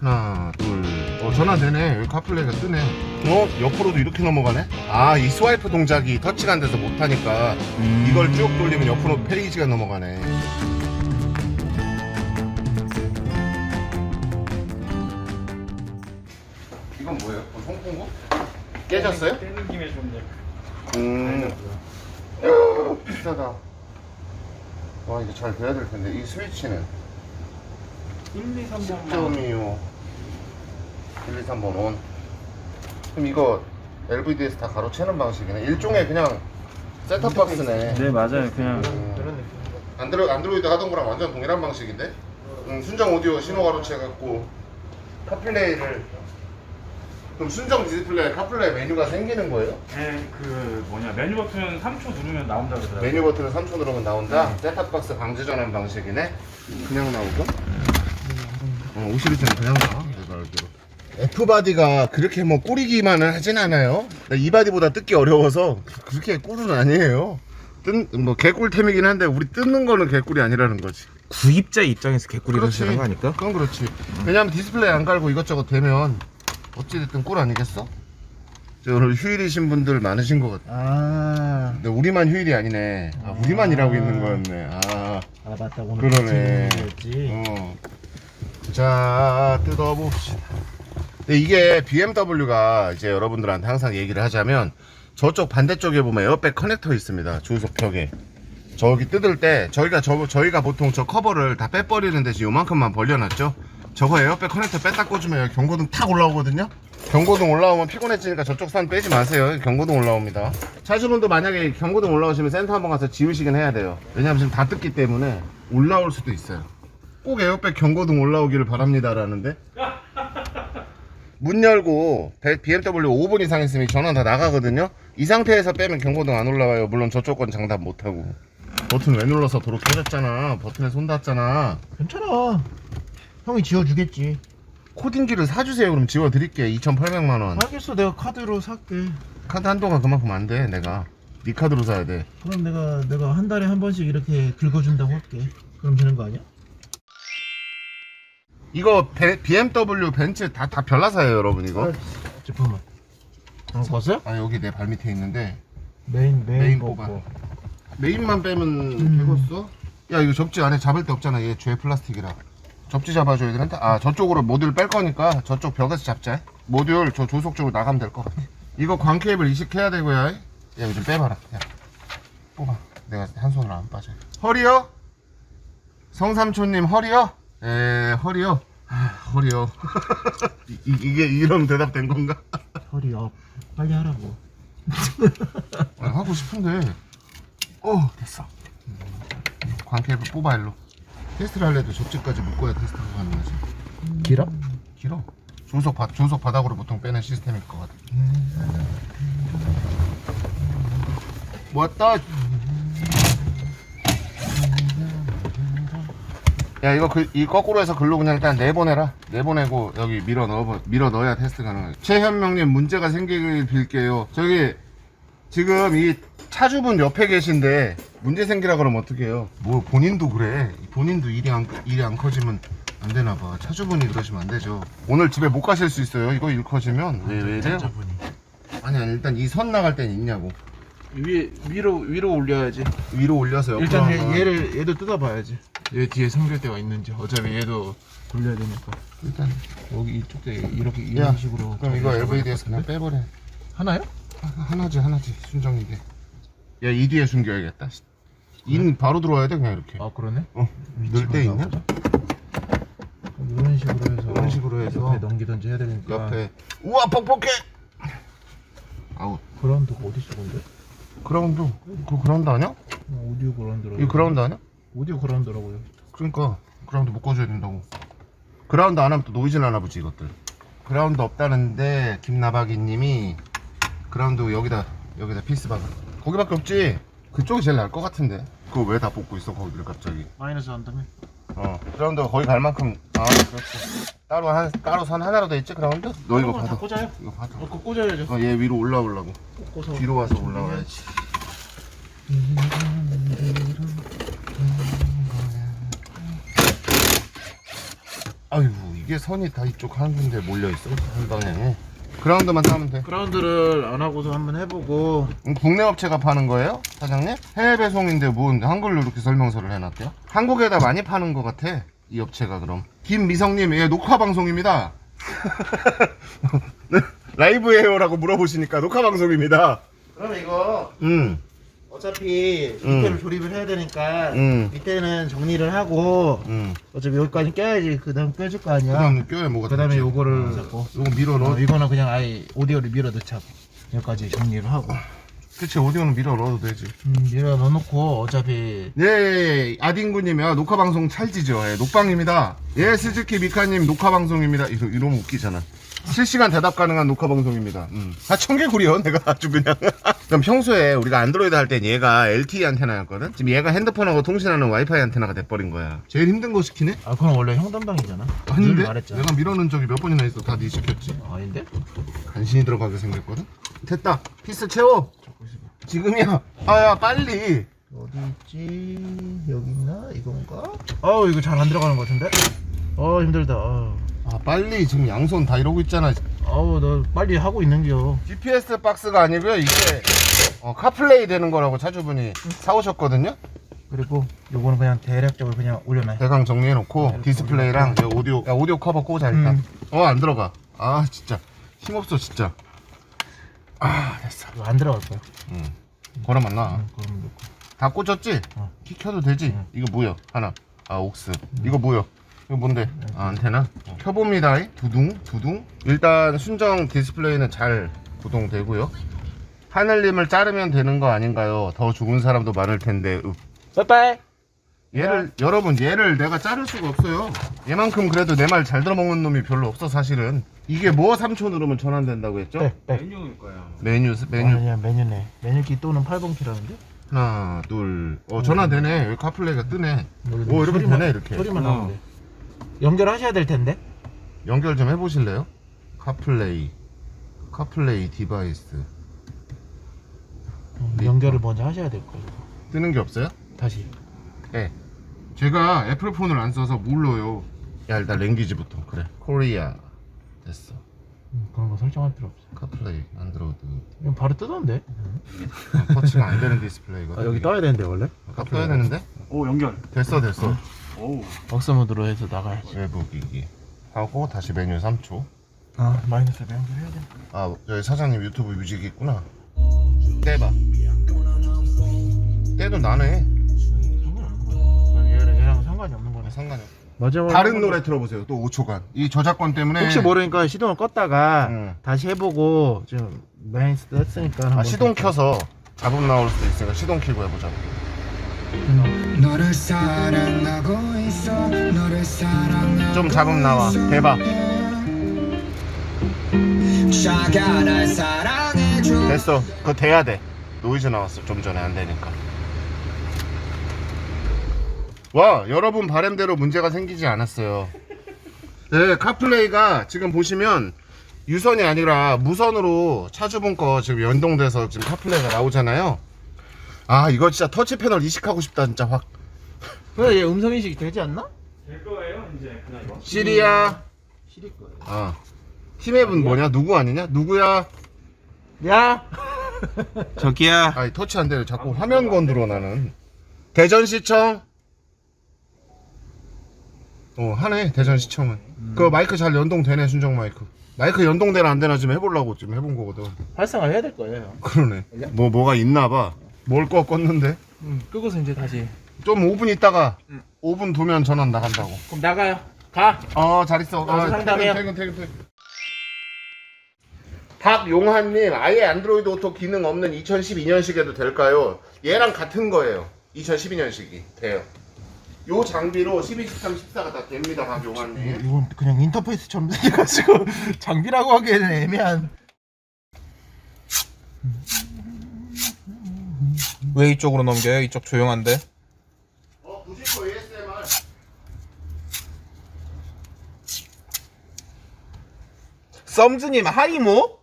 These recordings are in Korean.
하나 둘. 전화 되네. 여기 카플레이가 뜨네. 옆으로도 이렇게 넘어가네. 이 스와이프 동작이 터치가 안 돼서 못하니까 이걸 쭉 돌리면 옆으로 페이지가 넘어가네. 이건 뭐예요? 송풍구? 깨졌어요? 깨는 김에 좀 비싸다. 와, 이게 잘 돼야 될 텐데. 이 스위치는 1, 2, 3번만 10.25 1, 2, 3번 온. 그럼 이거 LVD에서 다 가로채는 방식이네. 일종의 그냥 셋탑박스네. 네 맞아요 그냥 그런 느낌입니다. 안드로이드 하던 거랑 완전 동일한 방식인데? 순정 오디오 신호 가로채갖고 카플레이를. 그럼 순정 디스플레이에 카플레이 메뉴가 생기는 거예요? 네, 그 뭐냐 메뉴 버튼 3초 누르면 나온다 그러더라고요. 메뉴 버튼을 3초 누르면 나온다? 셋탑박스 방지 전환 방식이네? 그냥 나오고? 52는 그냥 나와 내가 알기로. F바디가 그렇게 뭐 꾸리기만은 하진 않아요. 이 바디보다 뜯기 어려워서 그렇게 꿀은 아니에요. 뭐 개꿀템이긴 한데 우리 뜯는 거는 개꿀이 아니라는 거지. 구입자 입장에서 개꿀이라는 그렇지. 생각 아닐까? 그건 그렇지. 왜냐면 디스플레이 안 깔고 이것저것 되면 어찌됐든 꿀 아니겠어? 오늘 휴일이신 분들 많으신 것 같아. 근데 우리만 휴일이 아니네. 우리만 일하고 있는 거였네. 맞다. 오늘 그러네. 지 자, 뜯어봅시다. 근데 이게 BMW가 이제 여러분들한테 항상 얘기를 하자면 저쪽 반대쪽에 보면 에어백 커넥터 있습니다. 조수석 벽에. 저기 뜯을 때 저희가 보통 저 커버를 다 빼버리는 대신 요만큼만 벌려놨죠. 저거 에어백 커넥터 뺐다 꽂으면 여기 경고등 탁 올라오거든요. 경고등 올라오면 피곤해지니까 저쪽 선 빼지 마세요. 경고등 올라옵니다. 차주분도 만약에 경고등 올라오시면 센터 한번 가서 지우시긴 해야 돼요. 왜냐면 지금 다 뜯기 때문에 올라올 수도 있어요. 꼭 에어백 경고등 올라오기를 바랍니다 라는데 문 열고 BMW 5분 이상 있으면 전원 다 나가거든요. 이 상태에서 빼면 경고등 안 올라와요. 물론 저쪽 건 장담 못하고. 버튼 왜 눌러서 도로 터졌잖아. 버튼에 손 닿았잖아. 괜찮아. 형이 지워주겠지. 코딩기를 사주세요. 그럼 지워드릴게. 2,800만원. 알겠어. 내가 카드로 살게. 카드 한도가 그만큼 안 돼. 내가 네 카드로 사야 돼. 그럼 내가 한 달에 한 번씩 이렇게 긁어준다고 할게. 그럼 되는 거 아니야? 이거 BMW 벤츠 다 별나사예요 여러분. 이거 잠깐만. 봤어요? 여기 내 발 밑에 있는데 메인 뽑아. 메인만 빼면 되겠어? 야, 이거 접지 안에 잡을 데 없잖아. 얘 죄 플라스틱이라. 접지 잡아줘야 되는데. 저쪽으로 모듈 뺄 거니까 저쪽 벽에서 잡자. 모듈 저 조속 쪽으로 나가면 될 것 같아. 이거 광 케이블 이식해야 되고요. 야, 이거 좀 빼봐라. 야, 뽑아. 내가 한 손으로 안 빠져. 허리요? 성삼촌님 허리요? 허리요. 허리요. 이게 이런 대답 된 건가? 허리 업. 빨리 하라고. 하고 싶은데. 됐어. 광 케이블 뽑아 일로. 테스트를 할래도 접지까지 묶어야 테스트가 가능하지. 길어? 길어. 조석 바닥으로 보통 빼는 시스템일 것 같아. 뭐였다? 야, 이 거꾸로 해서 글로 그냥 일단 내보내라. 내보내고 여기 밀어 넣어야 테스트 가능하지. 최현명님 문제가 생기길 빌게요. 저기 지금 이 차주분 옆에 계신데 문제 생기라 그러면 어떡해요? 뭐 본인도 그래. 본인도 일이 안 커지면 안 되나 봐. 차주분이 그러시면 안 되죠. 오늘 집에 못 가실 수 있어요. 이거 일 커지면. 왜 이래요? 아니 일단 이 선 나갈 땐 있냐고. 위로 올려야지. 위로 올려서 옆으로 일단 하면. 얘도 뜯어봐야지. 얘 뒤에 ਸਮ결대가 있는지. 어차피 얘도 돌려야 되니까. 일단 여기 이쪽 대 이렇게 야, 이런 식으로. 그럼 이거 LVD에서 그냥 빼버려. 하나요? 하나지 순정인데. 야, 이 뒤에 숨겨야겠다. 인 바로 들어와야 돼 그냥 이렇게. 그러네. 넣을 때 있냐? 이런 식으로 해서 옆에 넘기던지 해야 되니까. 옆에. 우와, 뻑뻑해. 아우. 그라운드가 어디 있어 근데? 그라운드. 그거 그라운드 아니야? 오디오 그라운드라고. 이거 그라운드 아니야? 오디오 그라운드라고요. 그러니까 그라운드 묶어줘야 된다고. 그라운드 안 하면 또 노이즈 나나 보지 이것들. 그라운드 없다는데 김나박이님이 그라운드 여기다 피스 박아. 거기밖에 없지. 그쪽이 제일 나을 것 같은데. 그거 왜 다 뽑고 있어 거기를 갑자기. 마이너스 한다며? 그라운드가 거기 갈 만큼. 그렇지. 따로 선 하나로 돼 있지 그라운드? 너 이거 다 받아. 꽂아요? 이거 받아. 그거 꽂아야죠. 얘 위로 올라오려고. 꽂아서. 뒤로 와서 올라와야지. 아이고 이게 이게 선이 다 이쪽 한 군데 몰려있어 한 방향에. 그라운드만 따면 돼. 그라운드를 안 하고서 한번 해보고. 국내 업체가 파는 거예요? 사장님? 해외 배송인데 뭔 한글로 이렇게 설명서를 해놨대요? 한국에다 많이 파는 것 같아 이 업체가. 그럼 김미성님, 예, 녹화 방송입니다. 라이브예요라고 물어보시니까 녹화 방송입니다. 그럼 이거 어차피 밑에를 조립을 해야 되니까 밑에는 정리를 하고 어차피 여기까지 껴야지 그 다음 껴줄 거 아니야. 그 다음에 껴야 뭐가 그 다음에 되지? 요거를 잡고 요거 밀어 넣어. 이거는 그냥 아예 오디오를 밀어 넣자고 여기까지 정리를 하고 그치, 오디오는 밀어 넣어도 되지. 밀어 넣어놓고 어차피 예, 아딩구님, 야, 녹화 방송 찰지죠? 예, 녹방입니다. 예, 스즈키 미카님 녹화 방송입니다. 이러면 웃기잖아. 실시간 대답 가능한 녹화 방송입니다. 아, 청개구리요, 내가 아주 그냥. 그럼 평소에 우리가 안드로이드 할 땐 얘가 LTE 안테나였거든? 지금 얘가 핸드폰하고 통신하는 와이파이 안테나가 돼버린 거야. 제일 힘든 거 시키네? 아 그건 원래 형 담당이잖아. 아닌데? 말했잖아. 내가 밀어넣은 적이 몇 번이나 있어. 다 네 시켰지. 아닌데? 간신히 들어가게 생겼거든? 됐다. 피스 채워. 지금이야. 아야, 빨리. 어디 있지? 여기 있나? 이건가? 어우 이거 잘 안 들어가는 것 같은데? 힘들다. 아, 빨리. 지금 양손 다 이러고 있잖아. 너 빨리 하고 있는겨. GPS 박스가 아니고요. 이게 카플레이 되는 거라고 차주분이 사오셨거든요. 그리고 요거는 그냥 대략적으로 그냥 올려놔. 대강 정리해놓고 디스플레이랑 저 오디오, 야, 오디오 커버 꽂아 일단. 안 들어가. 아, 진짜 힘없어 진짜. 아, 됐어. 이거 안 들어갈 거야. 걸어만 나. 그럼 넣고. 다 꽂혔지? 키 켜도 되지? 이거 뭐야? 하나. 아, 옥스. 이거 뭐야? 이거 뭔데? 아, 안테나? 켜봅니다. 두둥. 일단 순정 디스플레이는 잘 구동되고요. 하늘님을 자르면 되는 거 아닌가요? 더 죽은 사람도 많을 텐데. 빠이빠이. 여러분, 얘를 내가 자를 수가 없어요. 얘만큼 그래도 내 말 잘 들어먹는 놈이 별로 없어, 사실은. 이게 뭐 3초 누르면 전환된다고 했죠? 메뉴일 거야. 메뉴. 아니야 메뉴네. 메뉴키 또는 8번 키라는데? 하나, 둘. 전환되네. 여기 카플레이가 뜨네. 이렇게 되네, 이렇게. 소리만 나오는데. 연결하셔야 될 텐데. 연결 좀 해보실래요? 카플레이 디바이스. 연결을 먼저 하셔야 될 거예요. 뜨는 게 없어요? 다시. 네. 제가 애플폰을 안 써서 몰라요. 야, 일단 랭귀지부터. 그래. 코리아. 됐어. 그런 거 설정할 필요 없어. 카플레이, 안드로이드. 이건 바로 뜨던데. 터치가 안 되는 디스플레이거든. 여기 떠야 되는데 원래? 떠야 되는데? 오, 연결. 됐어. 오. 박스 모드로 해서 나가야지. 외부 기기. 하고 다시 메뉴 3초. 마이너스 연결해야 돼. 아, 여기 사장님 유튜브 뮤직 있구나. 떼봐. 떼도 나네. 상관없는 거야. 얘랑 상관이 없는 거네. 상관이 없어. 마지막으로 다른 노래 들어보세요. 또 5초간. 이 저작권 때문에. 혹시 모르니까 시동을 껐다가 다시 해보고 지금 마이너스 했으니까 한번 시동 켜서 잡음 나올 수도 있으니까 시동 켜고 해보자. 너를 사랑하고 있어 너를 사랑하고 좀 잡음 나와. 대박. 자가 날 사랑해줘 됐어. 그거 돼야 돼. 노이즈 나왔어. 좀 전에 안 되니까. 와, 여러분 바람대로 문제가 생기지 않았어요. 네, 카플레이가 지금 보시면 유선이 아니라 무선으로 차주분 거 지금 연동돼서 지금 카플레이가 나오잖아요. 아, 이거 진짜 터치 패널 이식하고 싶다 진짜 확. 그래 얘 음성인식이 되지 않나? 될 거예요, 이제. 그냥 이거. 시리야. 시릴 거예요. 아, 팀앱은 뭐냐? 누구 아니냐? 누구야? 야 저기야. 아니, 터치 안 되네. 자꾸 화면 건드려 나는. 대전시청. 하네. 대전시청은. 그 마이크 잘 연동되네. 순정 마이크. 마이크 연동되나 안 되나 지금 해보려고 지금 해본 거거든. 활성화 해야 될 거예요. 그러네. 뭐가 있나봐. 뭘 껐는데? 끄고서 이제 다시. 좀 5분 있다가 5분 두면 전원 나간다고. 그럼 나가요. 가. 잘 있어. 상담해요. 퇴근. 박용환님, 아예 안드로이드 오토 기능 없는 2012년식에도 될까요? 얘랑 같은 거예요. 2012년식이 돼요. 요 장비로 12, 13, 14가 다 됩니다, 박용환님. 이건 그냥 인터페이스처럼 생겨가지고 장비라고 하기에는 애매한. 왜 이쪽으로 넘겨요? 이쪽 조용한데. 90% ASMR. 썸즈님 하이모?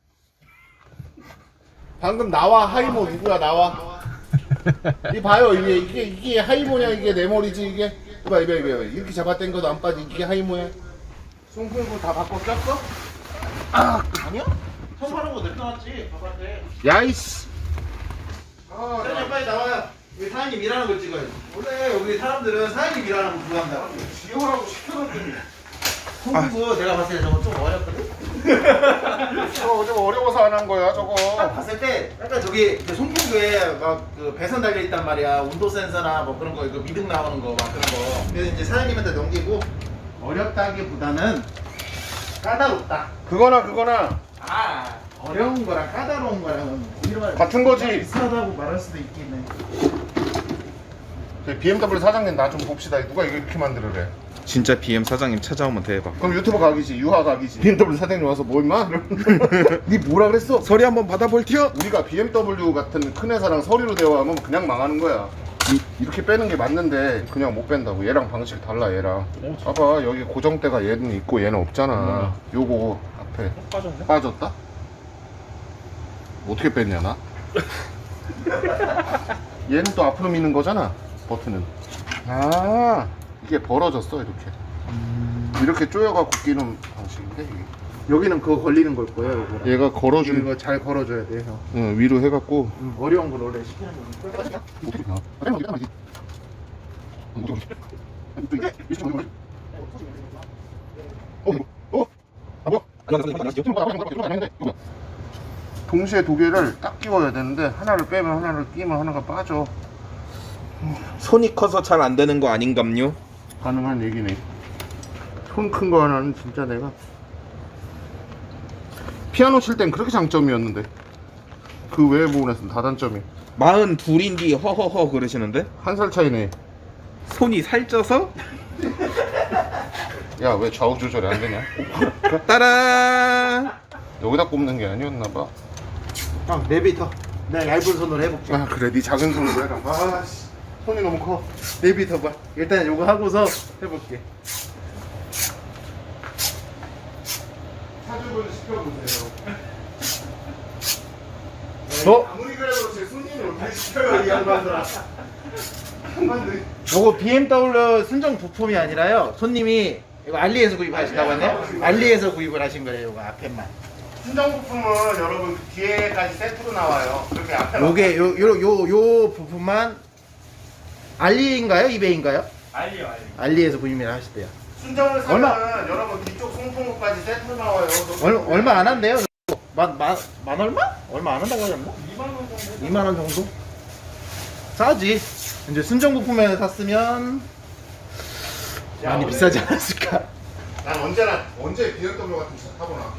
방금 나와. 하이모 누구야? 나와. 이 봐요. 이게 하이모냐? 이게 내 머리지 이게. 이봐. 이렇게 잡아당겨도 안 빠지. 이게 하이모야. 송풍구 다 바꿔 꼈어? 아니요? 처음 하는 거 내려놨지 바깥에. 야이씨. 사장님 빨리 나와요. 우리 사장님 일하는 걸 찍어요. 원래 우리 사람들은 사장님 일하는 거 좋아한다. 지호라고 시켜놨더니. 송구 내가 봤을 때 저거 좀 어렵거든? 저거 좀 어려워서 안 한 거야 저거. 딱 봤을 때 약간 저기 그 송풍구에 막 그 배선 달려 있단 말이야. 온도 센서나 뭐 그런 거 이거 미등 나오는 거 막 그런 거. 그래서 이제 사장님한테 넘기고 어렵다기보다는 까다롭다. 그거나 아 어려운 거랑 까다로운 거랑 이런 같은 거지. 비슷하다고 말할 수도 있겠네. BMW 사장님 나 좀 봅시다. 누가 이거 이렇게 만들으래? 진짜 BM 사장님 찾아오면 대박. 그럼 유튜브 각이지, 유하 각이지. BMW 사장님 와서 뭐 임마? 니 뭐라 그랬어? 서리 한번 받아볼티요? 우리가 BMW 같은 큰 회사랑 서류로 대화하면 그냥 망하는 거야. 이렇게 빼는 게 맞는데 그냥 못 뺀다고. 얘랑 방식 달라 얘랑. 봐봐 여기 고정대가 얘는 있고 얘는 없잖아. 요거 앞에 빠졌네? 빠졌다? 어떻게 뺐냐 나? 얘는 또 앞으로 미는 거잖아 버튼은. 아 이게 벌어졌어 이렇게. 이렇게 조여갖고 끼는 방식인데 이게. 여기는 그거 걸리는 걸 거예요. 이거. 얘가 걸어주는 이거 잘 걸어줘야 돼요. 응, 위로 해갖고. 어려운 걸 원래 시키는 거니까. 동시에 두 개를 딱 끼워야 되는데 하나를 빼면 하나를 끼면 하나가 빠져. 손이 커서 잘 안 되는 거 아닌감요? 가능한 얘기네. 손 큰 거 하나는 진짜 내가 피아노 칠 땐 그렇게 장점이었는데 그 외의 부분에서는 다 단점이. 42인디 허허허 그러시는데? 한 살 차이네. 손이 살쪄서? 야 왜 좌우 조절이 안 되냐? 따란! 여기다 꼽는 게 아니었나봐. 형 내비터. 내가 얇은 손으로 해볼게. 아 그래 네 작은 손으로 해라. 아씨 손이 너무 커. 내비터 봐. 일단 요거 하고서 해볼게. 사주분 시켜보세요. 어? 아무리 그래도 제 손님을 어떻게 시켜요 이 양반들아. 양반들. 요거 BMW 순정 부품이 아니라요. 손님이 이거 알리에서 구입하신다고 했네요. 알리에서 구입을 하신 거예요. 요거 앞에만. 순정 부품은 여러분 그 뒤에까지 세트로 나와요. 그렇게 앞에 요게 요 부품만 알리인가요? 이베이인가요? 알리요. 알리에서 구입을 하시대요. 순정을 사면 얼마? 여러분 뒤쪽 송풍구까지 세트로 나와요. 얼마 안 한대요? 만 얼마? 얼마 안 한다고 하지 않나? 2만원 정도? 2만 원 정도? 싸지. 이제 순정 부품에 샀으면 많이 비싸지 않았을까? 난 언제 BMW 같은 차 타보나.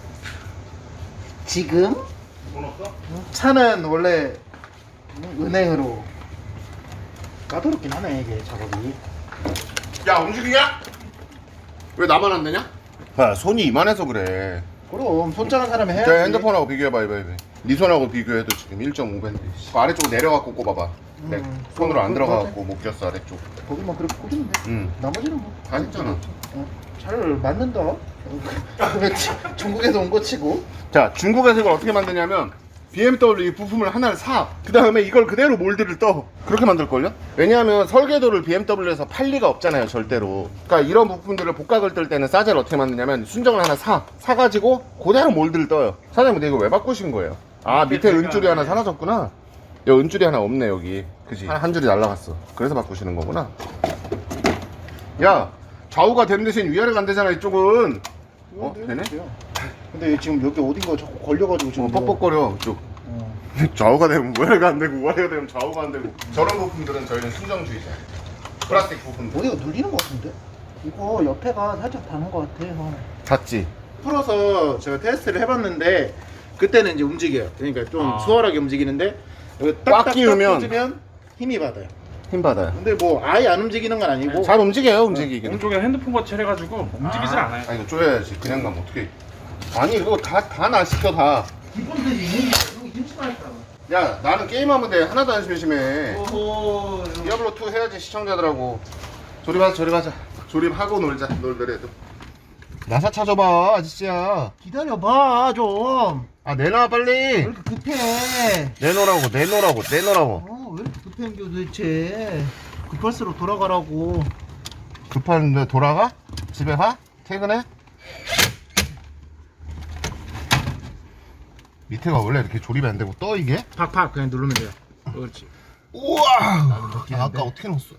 지금 돈 없어? 차는 원래 은행으로 까다롭긴 하네 이게 작업이. 야 움직이냐? 왜 나만 안 되냐? 야 손이 이만해서 그래. 그럼 손 작은 사람이 해야지. 자 핸드폰하고 비교해봐 이봐. 네 손하고 비교해도 지금 1.5배인데 그 아래쪽으로 내려갖고 꼽아봐. 네. 손으로 안 들어가갖고 못 꼈어 아래쪽. 거기만 그렇게 꽂으면 돼. 응. 나머지는 뭐. 다 했잖아. 잘 맞는다. 왜 중국에서 온 거 치고. 자 중국에서 이걸 어떻게 만드냐면 BMW 이 부품을 하나를 사. 그 다음에 이걸 그대로 몰드를 떠. 그렇게 만들걸요? 왜냐하면 설계도를 BMW에서 팔 리가 없잖아요 절대로. 그러니까 이런 부품들을 복각을 뜰 때는 싸제를 어떻게 만드냐면 순정을 하나 사가지고 그대로 몰드를 떠요. 사장님 근데 이거 왜 바꾸신 거예요? 아 밑에 은줄이 하나 사라졌구나. 여기 은줄이 하나 없네 여기. 그지? 한 줄이 날라갔어. 그래서 바꾸시는 거구나. 야 좌우가 되는 대신 위아래가 안 되잖아 이쪽은. 어? 되네? 근데 지금 여기 어딘가 자꾸 걸려가지고 지금. 뻑뻑거려 이쪽. 좌우가 되면 우아래가 안 되고 우아래가 되면 좌우가 안 되고. 저런 부품들은 저희는 순정주의자. 플라스틱 부품들. 어디가 눌리는 것 같은데? 이거 옆에가 살짝 다는 것 같아요. 닿지? 풀어서 제가 테스트를 해봤는데 그때는 이제 움직여요. 그러니까 좀 수월하게 움직이는데 여기 꽉 끼우면 꽂으면 힘이 받아요. 힘 받아요. 근데 뭐 아예 안 움직이는 건 아니고. 잘 움직여요 움직이기는. 오른쪽에 핸드폰 거치 해가지고 움직이질 않아요. 아 이거 쪼여야지. 그냥 가면 어떻게? 아니 이거 다 나 시켜 다. 기본들이 있는 게 힘심하다 야 나는 게임하면 돼. 하나도 안 심심해. 오호. 디아블로 2 해야지 시청자들하고. 조립하자. 조립하고 놀더라도. 나사 찾아봐 아저씨야. 기다려봐 좀. 아 내놔 빨리. 왜 이렇게 급해? 내놓으라고. 왜 이렇게 급한 게 도대체? 급할수록 돌아가라고. 급한데 돌아가? 집에 가? 퇴근해? 밑에가 원래 이렇게 조립이 안 되고 떠 이게? 팍팍 그냥 누르면 돼요. 그렇지. 우와! 느끼는데. 아까 어떻게 넣었어?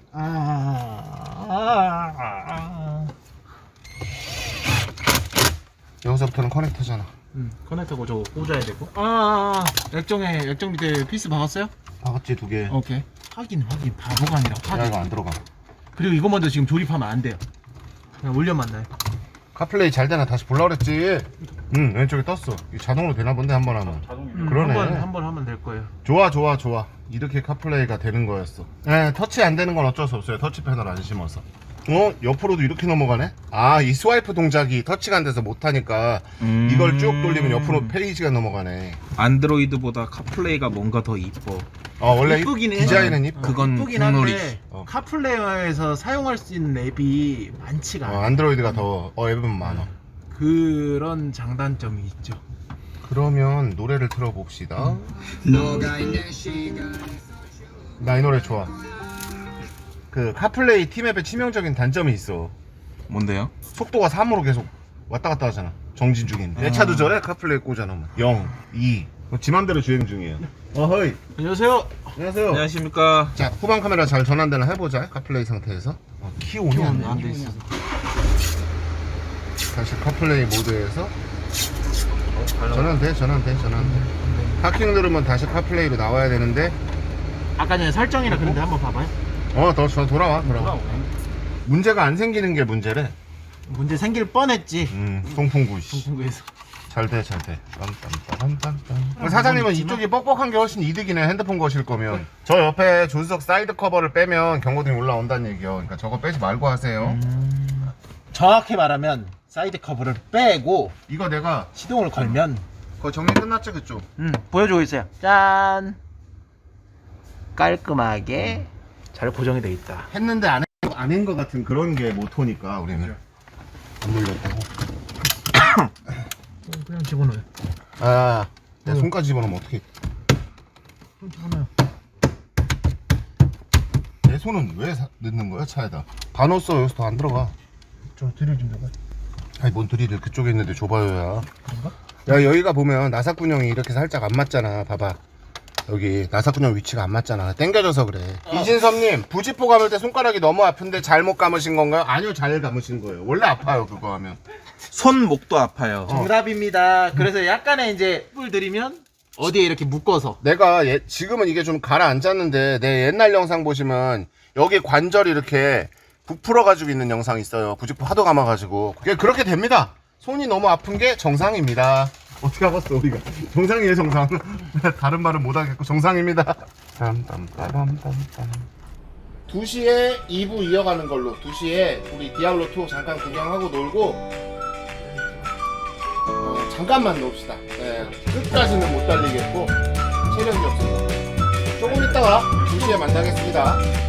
여기서부터는 커넥터잖아. 커넥터고 저거 꽂아야 되고. 액정 밑에 피스 박았어요? 박았지 2개. 오케이. 확인 바보가 아니라 야 확인. 이거 안 들어가. 그리고 이거 먼저 지금 조립하면 안 돼요. 그냥 올려만 놔요. 카플레이 잘 되나 다시 볼라 그랬지. 왼쪽에 떴어. 이거 자동으로 되나 본데 한 번 하면. 자동이네. 그러네. 한 번 하면 될 거예요. 좋아. 이렇게 카플레이가 되는 거였어. 네, 터치 안 되는 건 어쩔 수 없어요. 터치 패널 안 심어서. 옆으로도 이렇게 넘어가네? 이 스와이프 동작이 터치가 안 돼서 못하니까 이걸 쭉 돌리면 옆으로 페이지가 넘어가네. 안드로이드보다 카플레이가 뭔가 더 이뻐. 원래 이쁘긴 해. 디자인은 이뻐. 그건 이쁘긴 국룰이지. 한데 어. 카플레이어에서 사용할 수 있는 앱이 많지가 않아요. 안드로이드가 더 앱은 많아. 그런 장단점이 있죠. 그러면 노래를 틀어봅시다. 너가 있는 시간 나 이 노래 좋아. 그 카플레이 팀앱의 치명적인 단점이 있어. 뭔데요? 속도가 3으로 계속 왔다 갔다 하잖아. 정진 중인데. 내 차도 저래? 카플레이 꽂아놓으면 0, 2. 지 맘대로 주행 중이에요. 어허이. 안녕하세요. 안녕하세요. 안녕하십니까. 자, 후방 카메라 잘 전환되나 해보자. 카플레이 상태에서. 키 온이 안 돼. 있어서. 다시 카플레이 모드에서 전환돼. 하킹 누르면 다시 카플레이로 나와야 되는데. 아까 전에 설정이라 그런데 한번 봐봐요. 더 돌아와. 문제가 안 생기는 게 문제래. 문제 생길 뻔했지. 통풍구 씨. 중국에서. 잘 돼. 빰빰빰빰빰. 사장님은 이쪽이 뻑뻑한 게 훨씬 이득이네. 핸드폰 거실 거면. 저 옆에 조수석 사이드 커버를 빼면 경고등이 올라온다는 얘기요. 그러니까 저거 빼지 말고 하세요. 정확히 말하면 사이드 커버를 빼고 이거 내가 시동을 걸면 거의 정리 끝났지 그쪽? 보여주고 있어요. 짠. 깔끔하게 잘 고정이 돼 있다. 했는데 아닌 것 같은 그런 게 모토니까 우리는. 안 물렸다고. 그냥 집어넣어요. 내 손까지 집어넣으면 어떡해. 집어넣어요. 내 손은 왜 넣는 거야 차에다? 다 넣었어. 여기서 더 안 들어가. 저 드릴 좀 줘봐. 아니 뭔 드릴을 그쪽에 있는데 줘봐요야. 그런가? 야 여기가 보면 나사꾼형이 이렇게 살짝 안 맞잖아. 봐봐. 여기 나사꾼형 위치가 안 맞잖아. 당겨져서 그래. 이진섭님 부지포 감을 때 손가락이 너무 아픈데 잘못 감으신 건가요? 아니요, 잘 감으신 거예요. 원래 아파요 그거 하면. 손목도 아파요. 정답입니다. 그래서 약간의 이제 팁을 드리면 어디에 이렇게 묶어서 내가 지금은 이게 좀 가라앉았는데 내 옛날 영상 보시면 여기 관절이 이렇게 부풀어 가지고 있는 영상이 있어요. 부지포 하도 감아 가지고. 그게 그렇게 됩니다. 손이 너무 아픈 게 정상입니다. 어떻게 알았어 우리가? 정상이에요 정상. 다른 말은 못하겠고 정상입니다. 2시에 2부 이어가는 걸로. 2시에 우리 디아블로2 잠깐 구경하고 놀고 잠깐만 놉시다. 네, 끝까지는 못 달리겠고 체력이 없어서 조금 있다가 2시에 만나겠습니다.